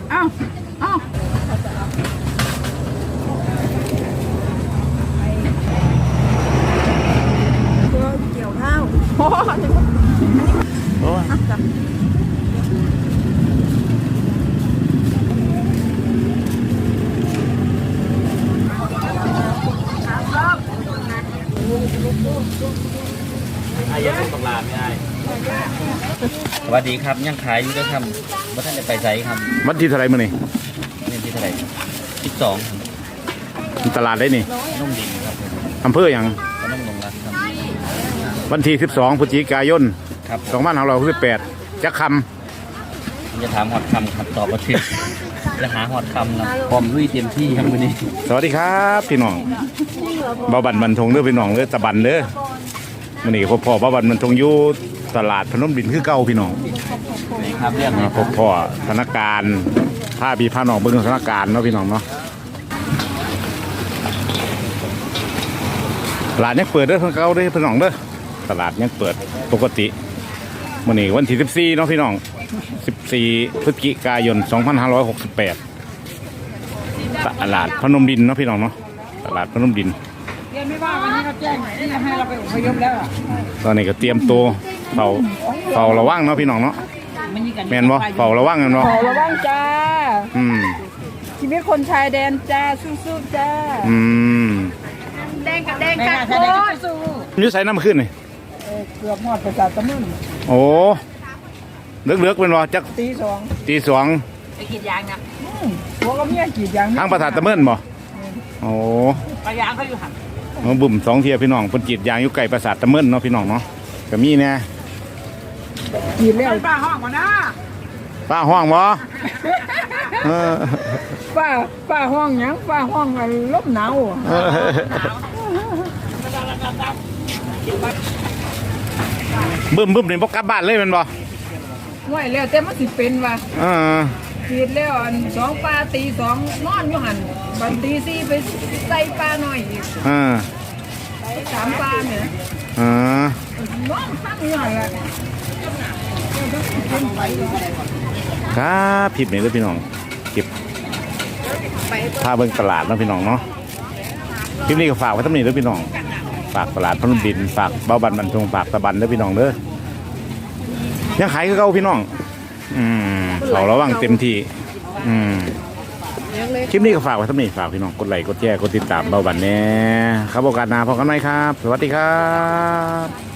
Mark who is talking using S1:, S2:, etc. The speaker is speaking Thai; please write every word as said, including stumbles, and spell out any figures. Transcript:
S1: เอ้าเอ้าเกี่ยวข้าวโอ้โห
S2: อายยังต้องลาไม่ได้สวัสดีครับยังขายอยู่ด้วยครับว่าท่านจะไปไซครับ
S3: วันที่เท่าไรมื้อนี่
S2: นี่ที่เท่าไหร่สิบสอง
S3: ตลาดได้นี่
S2: นุ่มดินครับผม
S3: อำเภอหยัง
S2: ก็นุ่มลงรักครับ
S3: วันที่สิบสองพฤศจิกายน
S2: ครับผ
S3: สอ
S2: ม
S3: งพันห้าร้อยหกสิบแปดจักค
S2: จะถามฮอดคำครับตอบมาถึงจะหาฮอดคำนะพร้อมลุยเต็มที่ครับวันนี้
S3: ำสวัสดีครับพี่น้องบ่าวบันบันทงเด้อพี่น้องเด้อตะบันเด้อมื้อนี้พ่อพ่อบ่าวบันบันทงอยู่ตลาดพนมดินคือเก่าพี่น้อง
S2: นี่ครับเรื่อง
S3: มาพบพ่อสถานการณ์ผ้าพี่ผ้าน้องเบิ่งสถานการณ์เนาะพี่น้องเนาะตลาดยังเปิดเด้อเพิ่นเก่าเด้อพี่น้องเด้อตลาดยังเปิดปกติมื้อนี้วันที่สิบสี่เนาะพี่น้องสิบสี่พฤศจิกายนสองพันห้าร้อยหกสิบแปดตลาดพนมดินเนาะพี่น้องเนาะตลาดพนมดิน
S1: เรียนไม่ว่าวันนี้เขาแจ้งที่จะให้เราไปอพยพแล้ว
S3: ตอนนี้ก็เตรียมตัวเฝ้าเฝ้าระวังเนาะพี่น้องเนาะแม่นบ่เฝ้าระวังกันเนาะ
S1: ขอระวังจ้า
S3: อืม
S1: ชีวิตคนชายแดนจ้าสู้ๆจ้า
S3: อืม
S1: แดงกับแดงกันโคตรสู้
S3: อยู่ใส่น้ำขึ้นนี่
S1: เกือบหมดประสาทตะมึน
S3: โอ้เลือกเลือกเป็นว่าจัก
S1: ตีสอง
S3: ตีสอง
S1: ไปกรีดยางนะหัวก็เมียกรีดยาง
S3: ทางประสาทตะเมินบ่โอ้
S1: ปลายางเขาอยู่หัน
S3: มาบุ่มสองเทียพี่น้องเพิ่นจีดยางอยู่ไกลประสาทตะเมินเนาะพี่น้องเนาะก็มีแน่
S1: กรีดแล้วป้าห้องก่อนนะ
S3: ป้าห้องบ่เออ
S1: ป้าป้าห้องยังป้าห้องลมหนาว
S3: เออบึ้มบึ้มนี่บ่กลับบ้านเลยแมันบ่
S1: ห่วยแล้วแต่มันสิเป็นว่ะ
S3: เออก
S1: รีดแล้วอันสองปลาตีสองนอนอยู่หันบันตีสี่ไปใส่ปลาหน่อยอีก
S3: เออ
S1: สามปลาเนี่ย
S3: เออ
S1: น้องตั้งอยู่หันละ
S3: ครับผิดนี่เด้อพี่น้องเก็บพาเบิ่งตลาดเนาะพี่น้องเนาะคลิปนี้ก็ฝากไว้ทั้งนี้เด้อพี่น้องฝากตลาดพนมดินฝากเบ้าบันบันทงฝากตะบันเด้อพี่น้องเด้อยังขายคือเก่าพี่น้องอืมเขาระวังเต็มที่อืมคลิปนี้ก็ฝากไว้ทั้งนี้ฝากพี่น้องกดไลค์กดแชร์กดติดตามเบ้าบันแน่ครับโอกาสหน้าพบกันใหม่ครับ สวัสดีครับ